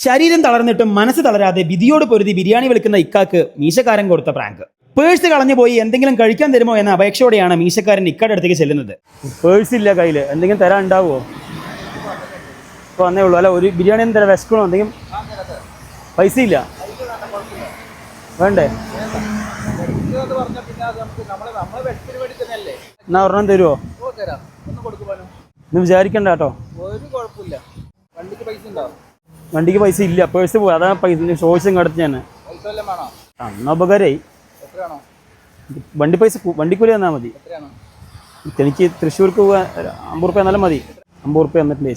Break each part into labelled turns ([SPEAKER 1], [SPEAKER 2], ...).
[SPEAKER 1] ശരീരം തളർന്നിട്ടും മനസ്സ് തളരാതെ വിധിയോട് പൊരുതി ബിരിയാണി വിളിക്കുന്ന ഇക്കാക്ക് മീശക്കാരൻ കൊടുത്ത പ്രാങ്ക്. പേഴ്സ് കളഞ്ഞു പോയി എന്തെങ്കിലും കഴിക്കാൻ തരുമോ എന്ന അപേക്ഷയോടെയാണ് മീശക്കാരൻ ഇക്കയുടെ അടുത്തേക്ക് ചെല്ലുന്നത്. പേഴ്സ് ഇല്ല കയ്യിൽ, എന്തെങ്കിലും തരാൻ ഉണ്ടാവുമോ? ഇപ്പോൾ വന്നേ ഉള്ളൂ. അല്ല, ഒരു ബിരിയാണി ഒന്നും തരാം, വിശക്കണോ? എന്തെങ്കിലും പൈസ ഇല്ല, വേണ്ടേ? എന്നാ ഒരെണ്ണം തരുമോ? ഇന്ന് വിചാരിക്കണ്ട കേട്ടോ. വണ്ടിക്ക് പൈസ ഇല്ല, പേഴ്സ് പോയി, അതാണ് പൈസ ചോദിച്ചും കടത്തി ഞാൻ. അന്ന ഉപകാരമായി. വണ്ടിക്കൂലി തന്നാൽ മതി. എനിക്ക് തൃശ്ശൂർക്ക് പോകാൻ 50 റുപ്യ എന്നാലും മതി. 50 റുപ്യ എന്നിട്ട്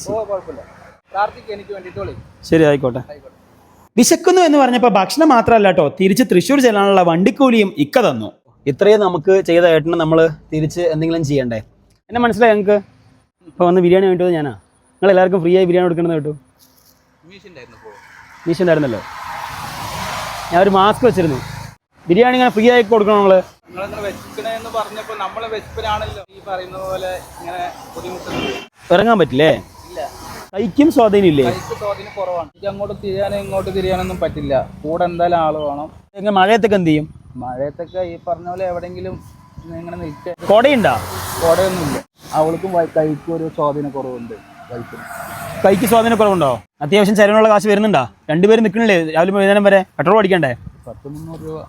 [SPEAKER 1] ശരി, ആയിക്കോട്ടെ. വിശക്കുന്നു എന്ന് പറഞ്ഞപ്പോൾ ഭക്ഷണം മാത്രമല്ല കേട്ടോ, തിരിച്ച് തൃശ്ശൂർ ചെല്ലാനുള്ള വണ്ടിക്കൂലിയും ഇക്ക തന്നു. ഇത്രയും നമുക്ക് ചെയ്ത ഏട്ടന് നമ്മൾ തിരിച്ച് എന്തെങ്കിലും ചെയ്യണ്ടേ? എന്നെ മനസ്സിലായി ഞങ്ങൾക്ക്. ഇപ്പോൾ വന്ന് ബിരിയാണി വേണ്ടത് ഞാനാ. നിങ്ങൾ എല്ലാവർക്കും ഫ്രീ ആയി ബിരിയാണി കൊടുക്കണമെന്ന് കേട്ടു. മീശ ഉണ്ടായിരുന്നല്ലോ. ഞാൻ ഒരു മാസ്ക് വെച്ചിരുന്നു. ബിരിയാണി ഇങ്ങനെ ഫ്രീ ആയി കൊടുക്കണം. ഇറങ്ങാൻ പറ്റില്ലേ? കൈക്കും സ്വാധീനമില്ലേ?
[SPEAKER 2] അങ്ങോട്ട് തിരിയാനും ഇങ്ങോട്ട് തിരിയാനൊന്നും പറ്റില്ല. കൂടെ എന്തായാലും ആള് വേണം.
[SPEAKER 1] എങ്ങനെ മഴയത്തൊക്കെ എന്ത് ചെയ്യും?
[SPEAKER 2] മഴയത്തൊക്കെ ഈ പറഞ്ഞ പോലെ എവിടെയെങ്കിലും ഇങ്ങനെ നിൽക്കുക.
[SPEAKER 1] കൊടയുണ്ടോ?
[SPEAKER 2] കൊടയൊന്നുമില്ല. അവൾക്കും കൈക്കും ഒരു സ്വാധീനക്കുറവുണ്ട്.
[SPEAKER 1] കൈക്ക് സ്വാധീനക്കുറവുണ്ടോ? അത്യാവശ്യം ചെലവിനുള്ള കാശ് വരുന്നുണ്ടോ? രണ്ടുപേരും നിൽക്കണില്ലേ രാവിലെ വൈകുന്നേരം വരെ? പെട്രോൾ അടിക്കണ്ടേ?
[SPEAKER 2] 300 രൂപ.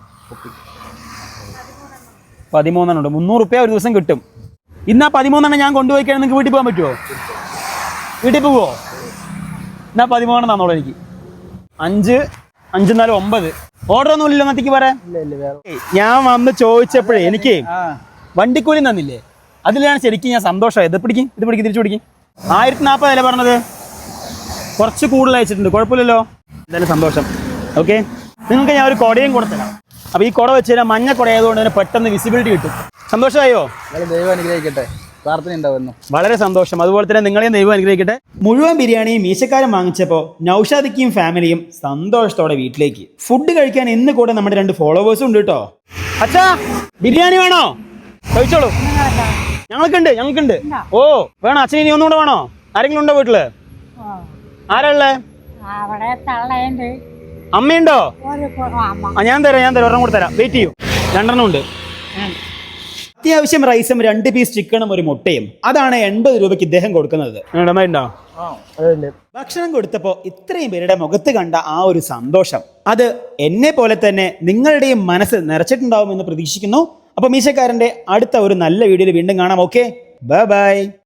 [SPEAKER 1] 13 300 റുപ്യ ഒരു ദിവസം കിട്ടും. ഇന്ന് ആ 13 ഞാൻ കൊണ്ടുപോയി കഴിഞ്ഞാൽ നിങ്ങൾക്ക് വീട്ടിൽ പോകാൻ പറ്റുമോ? വീട്ടിൽ പോവോ? എന്നാ 13 തന്നോളൂ എനിക്ക്. 5 5 4 9. ഓർഡർ ഒന്നും ഇല്ലല്ലോ എന്നത്തേക്ക് പറയാം. ഞാൻ വന്ന് ചോദിച്ചപ്പോഴേ എനിക്ക് വണ്ടിക്കൂലി തന്നില്ലേ? അതിലാണ് ശരിക്കും ഞാൻ സന്തോഷമായത്. ഇത് പിടിക്കും തിരിച്ചു പിടിക്കും. 1040 അല്ലേ പറഞ്ഞത്? കുറച്ച് കൂടുതൽ അയച്ചിട്ടുണ്ട്, കുഴപ്പമില്ലല്ലോ. എന്തായാലും സന്തോഷം. ഓക്കെ, നിങ്ങൾക്ക് ഞാൻ ഒരു കുടയും കൊടുത്തരാം. അപ്പോൾ ഈ കുട വെച്ച് കഴിഞ്ഞാൽ മഞ്ഞ കുട ആയതുകൊണ്ട് തന്നെ പെട്ടെന്ന് വിസിബിലിറ്റി കിട്ടും. സന്തോഷമായോ?
[SPEAKER 2] ദൈവം അനുഗ്രഹിക്കട്ടെ. പ്രാർത്ഥന ഉണ്ടാവുന്നു.
[SPEAKER 1] വളരെ സന്തോഷം. അതുപോലെ തന്നെ നിങ്ങളെയും ദൈവം അനുഗ്രഹിക്കട്ടെ. മുഴുവൻ ബിരിയാണിയും മീശക്കാരൻ വാങ്ങിച്ചപ്പോൾ നൗഷാദിക്കും ഫാമിലിയും സന്തോഷത്തോടെ വീട്ടിലേക്ക്. ഫുഡ് കഴിക്കാൻ ഇന്ന് കൂടെ നമ്മുടെ 2 ഫോളോവേഴ്സും ഉണ്ട് കേട്ടോ. അച്ഛാ, ബിരിയാണി വേണോ? കഴിച്ചോളൂ. ഞങ്ങൾക്കുണ്ട്. ഓ, വേണോ? അച്ഛന് ഇനി ഒന്നുകൂടെ വേണോ? ആരെങ്കിലും ഉണ്ടോ വീട്ടില്? ആരാ ഉള്ളേ? അമ്മയുണ്ടോ? ഞാൻ തരാം. ഒരെണ്ണം കൂടെ തരാം. വെയിറ്റ് ചെയ്യൂ. 2 എണ്ണം ഉണ്ട്. അത്യാവശ്യം റൈസും 2 പീസ് ചിക്കനും ഒരു മുട്ടയും. അതാണ് 80 രൂപയ്ക്ക് ഇദ്ദേഹം കൊടുക്കുന്നത്. ഭക്ഷണം കൊടുത്തപ്പോൾ ഇത്രയും പേരുടെ മുഖത്ത് കണ്ട ആ ഒരു സന്തോഷം, അത് എന്നെ പോലെ തന്നെ നിങ്ങളുടെയും മനസ്സ് നിറച്ചിട്ടുണ്ടാവുമെന്ന് പ്രതീക്ഷിക്കുന്നു. അപ്പോൾ മീശക്കാരൻ്റെ അടുത്ത ഒരു നല്ല വീഡിയോയിൽ വീണ്ടും കാണാം. Okay, by.